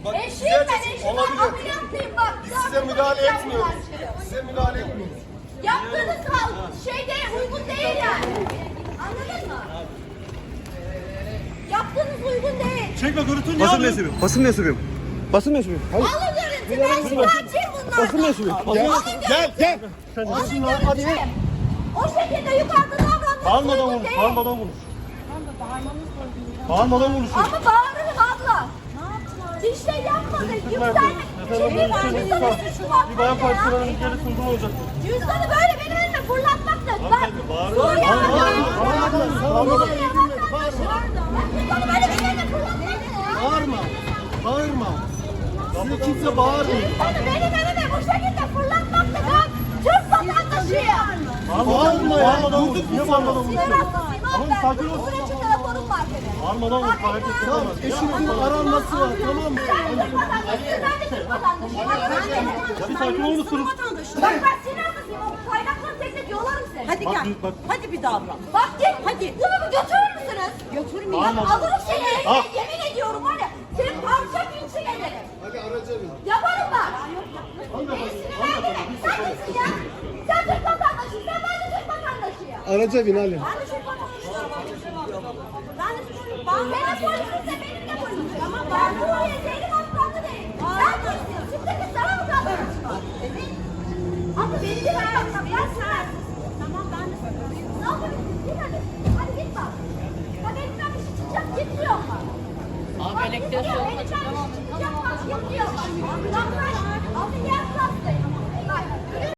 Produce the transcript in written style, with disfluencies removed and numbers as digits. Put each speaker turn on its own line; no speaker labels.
Eşiyim ben, eşim.
Olabilir.
Ameliyatlıyım bak.
Biz size müdahale etmiyoruz. Size müdahale etmiyoruz.
Yaptığınız şeyde uygun değil yani. Anladın mı? Yaptığınız uygun değil.
Çekme görüntünü
Basın mensubuyum. Basın mensubuyum. Basın mensubuyum.
Alın görüntü. Ben şikayetçiyim bunlardan.
Basın mensubuyum.
Alın
Gel.
Alın görüntü. O şekilde yukarıda davranmanız
Bağırmadan
uygun
konuş,
değil.
bağırmadan konuş. Bağırmadan konuş.
Ama bağırırım abla. Bir şey yapmadı. Yükselme. Şimdi var bir suçlu
Bir bayan partilerinin geri sunduğu olacak.
Cüzdanı böyle benim önüme fırlatmak da. Bak.
Bağırma.
Suriye
Bağırma.
Cüzdanı böyle benim önüme fırlatmak da.
Bağırma. Size kimse bağırmıyor.
Cüzdanı benim önüme bu şekilde fırlatmak da. Ben Türk vatandaşıyım.
Bağırma ya.
Bağırmadan konuş. Niye bağırmadan konuş?
Sinir hastasıyım abi ben.
Sakin ol.
Bunun için telefonum var benim.
Bağırmadan konuş. Hareket
Tamam,
edemez.
eşinizin aranması var, tamam mı?
Sen Türk vatandaşısın, ben de Türk vatandaşıyım.
Ya bir sakin olur musunuz?
Bak ben sinir hastasıyım. O kaynakları tek tek yolarım seni.
Hadi gel.
bak.
Hadi bir davran.
Bak git.
Hadi.
Bunu bir götürür müsünüz?
Götürmeyeyim.
Bak alırım seni eline. Yemin ediyorum var ya. Seni parça pinçik ederim.
Hadi araca bin.
Yaparım bak. Beni sinirlendirme. Sen kimsin ya? Sen Türk vatandaşısın. Sen ben de Türk vatandaşıyım.
Araca bin Ali.
Ben de Türk vatandaşıyım. Ben de Türk vatandaşıyım. Benim polisimse benim de polisim. Tamam ben Suriye Zeynep Aslanlı değilim. Sen polisin. Şimdi de sana mı kaldırırsın? Ama beni de yapma. Ya sen. Tamam ben de söylüyorum. Ne yapıyorsun? Git hadi. Hadi git bak. Bak elimden bir şey çıkacak. Git diyorum bak. Abi elektriği